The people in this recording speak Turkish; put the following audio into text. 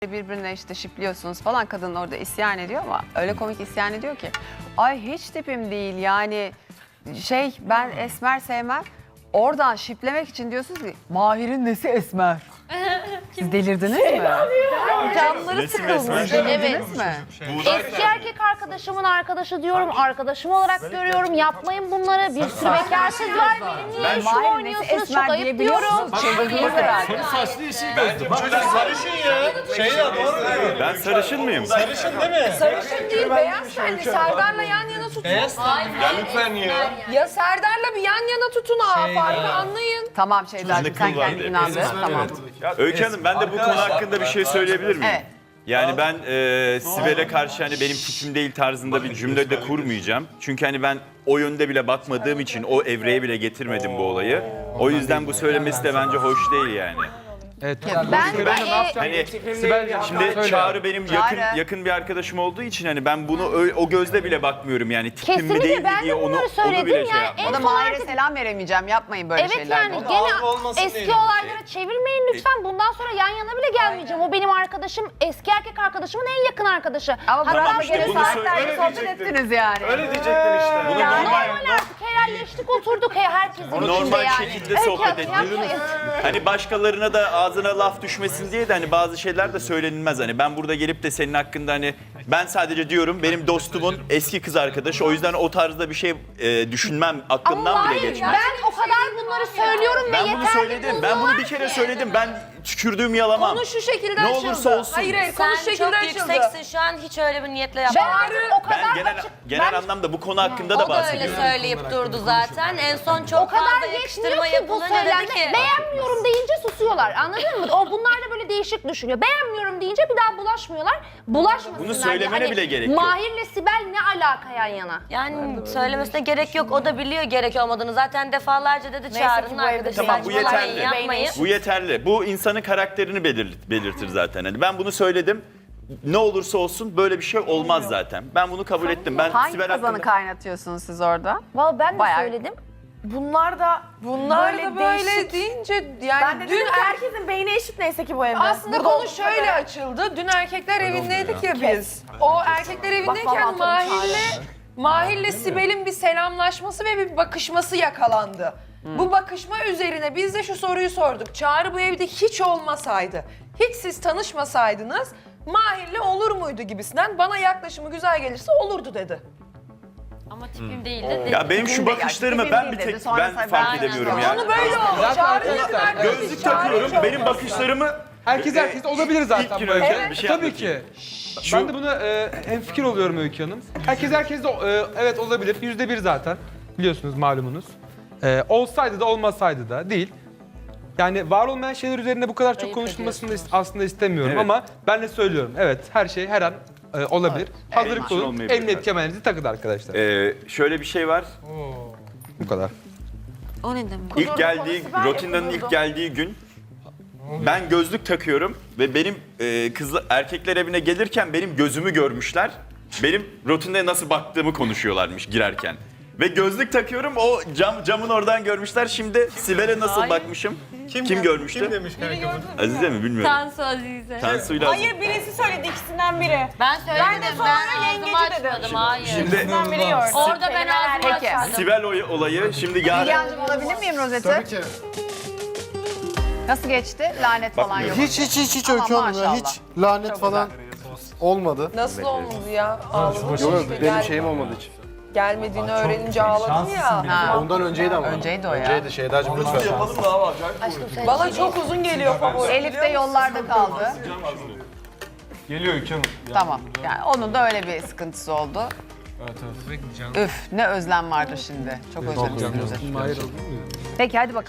birbirine işte şipliyorsunuz falan, kadın orada isyan ediyor ama öyle komik isyan ediyor ki. Ay hiç tipim değil yani, ben esmer sevmem. Oradan şiplemek için diyorsunuz ki Mahir'in nesi esmer? Siz delirdiniz mi? Camları sıkılmış. Evet mi? Eski erkek arkadaşımın arkadaşı diyorum, arkadaşım olarak görüyorum. Yapmayın bunları. Bir sürü bekarsız var. Benim niye şu Mahir nesi oynuyorsunuz? Çok esmer ayıp diyebiliyor diyorum. musunuz? Çıldırdınız herhalde. Saçlı yeşil gözlü. Çocuk sarışın ya. Doğru. Ben sarışın mıyım? Sarışın değil mi? Sarışın değil, beyaz tenli. Serdar'la yan yana tutun. Beyaz tenli. Ya lütfen ya. Ya Serdar'la bir yan yana tutun farkı anlayın. Tamam Şeyda'cığım, sen kıl var kendin diye. inandın. Tamam. Öykü Hanım, ben de bu konu hakkında bir şey söyleyebilir miyim? Evet. Yani ben Sibel'e karşı hani benim fikrim değil tarzında bir cümle de kurmayacağım. Çünkü hani ben o yönde bile bakmadığım için o evreye bile getirmedim bu olayı. O yüzden bu söylemesi de bence hoş değil yani. Evet. Ben de Hani Sibel'cim şimdi Çağrı benim yakın bir arkadaşım olduğu için hani ben bunu o gözle bile bakmıyorum yani tipim mi değil kesinlikle mi ben diye de onu bunları bile söyledim şey ya. yapmam. O da Mahir'e selam veremeyeceğim. Yapmayın böyle Evet şeyler. yani algı gene olmasın eski diye. olaylara çevirmeyin lütfen. Bundan sonra yan yana bile gelmeyeceğim. O benim arkadaşım, eski erkek arkadaşımın en yakın arkadaşı. Ama Hatta bana işte göre bunu saatlerce öyle sohbet diyecektin. ettiniz yani. Öyle diyecektin işte. Bunu ya normal, normal artık herhalleştik, oturduk herkesin içinde normal yani. şekilde Öykü sohbet Hanım, ediyoruz. yapmayın. Hani başkalarına da ağzına laf düşmesin diye de hani bazı şeyler de söylenilmez. Hani ben burada gelip de senin hakkında hani ben sadece diyorum benim dostumun eski kız arkadaşı, o yüzden o tarzda bir şey düşünmem, aklımdan Ama bile hayır, geçmez. ben o kadar bunları söylüyorum ve Ben bunu yeterli söyledim. Ben bunu bir buldular kere ki. söyledim. Ben tükürdüğüm yalamam. Konu şu şekilde Ne açıldı. olursa olsun. Hayır konu Sen şu şekilde çok açıldı. yükseksin şu an, hiç öyle bir niyetle Ben yapmadın. artık o kadar Ben genel anlamda bu konu hakkında da O da öyle bahsediyorum. söyleyip durdu zaten. En son o çok kadar fazla yetmiyor yakıştırma ki bu yapılınca söylenme. dedi ki... Beğenmiyorum deyince susuyorlar. Anladın mı? Bunlar da böyle değişik düşünüyor. Beğenmiyorum deyince bir daha bulaşmıyorlar. Bulaşmasınlar. Bunu söylemene diye. bile gerek yok. Mahir'le Sibel ne alaka yan yana? Yani söylemesine gerek yok. O da biliyor gerek olmadığını. Zaten defalarca dedi Çağrı'nın arkadaşı. Tamam, bu saçmalamayın, yeterli. yapmayın. Bu yeterli. Bu insanın karakterini belirtir zaten. Hani ben bunu söyledim. Ne olursa olsun böyle bir şey olmaz zaten. Ben bunu kabul ettim. Ben Hangi Sibel kazanı hakkında... kaynatıyorsunuz siz orada? Vallahi ben de Bayağı- söyledim. Bunlar da böyle deyince yani Ben de dün dedim ki herkesin beyni eşit neyse ki bu evde. aslında Burada konu olduğu şöyle kadar. açıldı. Dün erkekler evindeydik ya biz. O erkekler evindeyken vallahi Mahir'le Sibel'in bir selamlaşması ve bir bakışması yakalandı. Bu bakışma üzerine biz de şu soruyu sorduk. Çağrı bu evde hiç olmasaydı, hiç siz tanışmasaydınız Mahir'le olur muydu gibisinden, bana yaklaşımı güzel gelirse olurdu dedi. Ama tipim değildi. Ya benim şu bakışlarımı tipim ben bir değil dedi. tek Sonra ben sen- fark Aynen edemiyorum öyle. ya. Onu böyle oldu. Zaten Çağrı'nın arkadaşlar, yakın arkadaşı. Gözlük takıyorum. Benim bakışlarımı herkes olabilir zaten gün bu önce evde. bir şey Tabii anlatayım. ki. Ben de buna hemfikir oluyorum Öykü Hanım. Herkes de evet olabilir. %1 zaten. Biliyorsunuz, malumunuz. Olsaydı da olmasaydı da değil. Yani var olmayan şeyler üzerine bu kadar çok Ayıp konuşulmasını da aslında istemiyorum Evet. ama ben de söylüyorum. Evet, her şey her an olabilir. Hazırlıklı olun. olmayabilir. Emniyet kemerinizi takın arkadaşlar. şöyle bir şey var. Bu kadar. O ne demek? İlk geldiği, Rotinda'nın ilk geldiği gün ben gözlük takıyorum ve benim erkekler evine gelirken benim gözümü görmüşler. Benim Rotinda'ya nasıl baktığımı konuşuyorlarmış girerken. Ve gözlük takıyorum, o camın oradan görmüşler. Şimdi Sibel'e nasıl bakmışım? Kim görmüştü? Kim demiş kanka bunu? Azize mi bilmiyorum. Tansu Azize. Tansu'yla Hayır birisi söyledi ikisinden biri. Ben söyledim. Ben de sonra Ben yengeci ağzımı dedim. açmadım. Hayır. Şimdi İkisinden biri gördüm. Orada ben ağzımı Peki. açmadım. Sibel olayı şimdi yarın... Bilgehan'cığım alabilir miyim rozeti? Tabii ki. Nasıl geçti? Lanet falan yok. Hiç Aman Öykü Hanım ya. maşallah. Hiç lanet Çok falan olmadı. Nasıl olmadı ya? Ağladım. Yok benim şeyim olmadı hiç. Gelmediğini öğrenince ağladım ya. Ha. Ondan önceydi ama. Önceydi o ya. Önceydi Şeydacığım lütfen. Bana çok uzun geliyor favori. Elif de yollarda kaldı. Geliyor Öykü Hanım. Tamam. Yani onun da öyle bir sıkıntısı oldu. Üf, ne özlem vardı şimdi. Çok özledim sizi. Peki hadi bakalım.